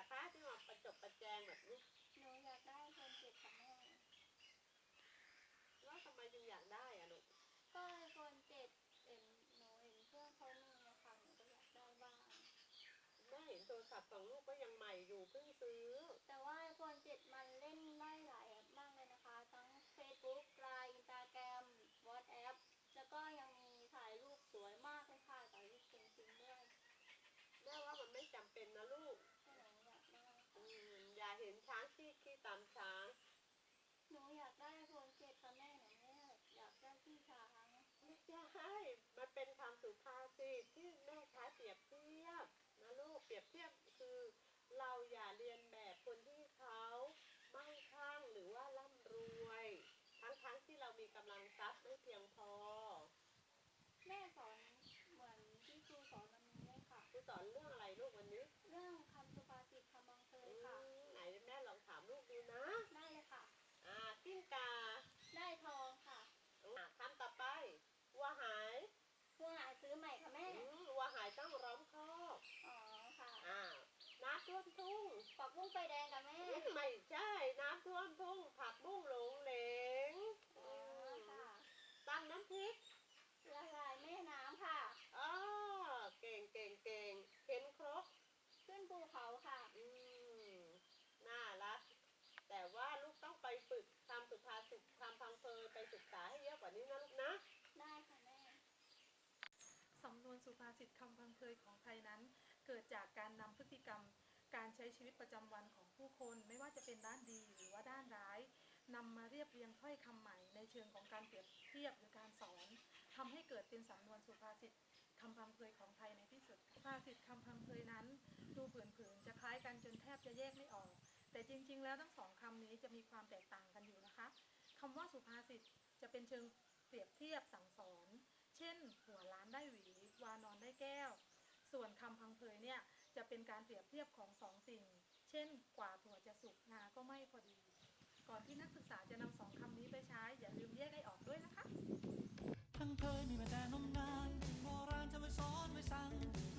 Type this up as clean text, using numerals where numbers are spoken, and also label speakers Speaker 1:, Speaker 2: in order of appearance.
Speaker 1: คะที่มาประจบประแจงแบบนี้
Speaker 2: หนูอยากได้iPhone 7ค่ะแม่
Speaker 1: แล้วทำไมจึงอยากได้อะลูก
Speaker 2: ก็iPhone 7หนูเห็นเพื่อนเขามีอะค่ะหนูก็อยากได้บ้าง
Speaker 1: แม่เห็นโทรศัพท์ของลูกก็ยังใหม่อยู่เพิ่งซื้อ
Speaker 2: แต่ว่าiPhone 7มันเล่นได้หลายแอปมากเลยนะคะทั้ง Facebook LINE Instagram WhatsApp แล้วก็ยังมีถ่ายรูปสวยมากเลยค่ะถ่ายรูปจริงๆด้วย
Speaker 1: แม่ว่ามันไม่จำเป็นนะลูก
Speaker 2: หนูอยากได้ค่ะ
Speaker 1: อย่าเห็นช้างขี้ตามช้าง
Speaker 2: หนูอยากได้iPhone 7ค่ะแม่หนูไม่อยากได้ที่ช้าง
Speaker 1: ไม่ใช่มันเป็นคำสุภาษิตที่แม่ใช้เปรียบเทียบนะลูกเปรียบเทียบคือเราอย่าเรียนแบบคนที่เขามั่งคั่งหรือว่าร่ำรวยทั้งที่เรามีกำลังทรัพย์ไม่เพียงพอ
Speaker 2: แม่สอนเหมือนที่ครูสอนวันนี้เลยค่ะ
Speaker 1: ครูสอนเรื่องอะไรลูกวันนี้
Speaker 2: เรื่องคำสุภาษิตคำบังเคยค่ะ
Speaker 1: ไหนแม่ลองถามลูกดูนะ
Speaker 2: ได้เลยค่ะ
Speaker 1: กิ้งกา
Speaker 2: ได้ทองค่ะ
Speaker 1: คำต่อไปวัวหาย
Speaker 2: เพื่อหาซื้อใหม่ค่ะแม่
Speaker 1: วัวหายต้องร้อมคอก
Speaker 2: อ๋อค่ะ
Speaker 1: น้ำท่วมทุ่ง
Speaker 2: ปักบุ้งไฟแดงค่ะแม่
Speaker 1: ไม่ใช่น้ำท่วมทุ่งผักบุ้งหลงเหลง
Speaker 2: อ๋อค่ะ
Speaker 1: ตั้งน้ำพริก
Speaker 2: ละลายแม่น้ำค่ะ
Speaker 1: เก่งเข็นครก
Speaker 2: ขึ้นภูเขาค่ะ
Speaker 1: น่ารักแต่ว่าลูกต้องไปฝึกทำสุภาษิตทำพังเพยไปศึกษาให้เยอะกว่านี้นะลูกนะ
Speaker 2: ได้ค่ะแม่
Speaker 3: สำนวนสุภาษิตคำพังเพยของไทยนั้นเกิดจากการนำพฤติกรรมการใช้ชีวิตประจำวันของผู้คนไม่ว่าจะเป็นด้านดีหรือว่าด้านร้ายนำมาเรียบเรียงถ้อยคำใหม่ในเชิงของการเปรียบเทียบหรือการสอนทำให้เกิดเป็นสำนวนสุภาษิตคำพังเพยของไทยในที่สุดสุภาษิตคำพังเพยนั้นดูเผินๆจะคล้ายกันจนแทบจะแยกไม่ออกแต่จริงๆแล้วทั้งสองคำนี้จะมีความแตกต่างกันอยู่นะคะคำว่าสุภาษิตจะเป็นเชิงเปรียบเทียบสั่งสอนเช่นหัวล้านได้หวีวานอนได้แก้วส่วนคำพังเพยเนี่ยจะเป็นการเปรียบเทียบของสองสิ่งเช่นกว่าถั่วจะสุกงาก็ไม่พอดีก่อนที่นักศึกษาจะนำสองคำนี้ไปใช้อย่าลืมแยกให้ออกด้วยนะคะ
Speaker 4: พังเพยมีมาแต่นมนานโบราณจะไว้สอนไว้สั่ง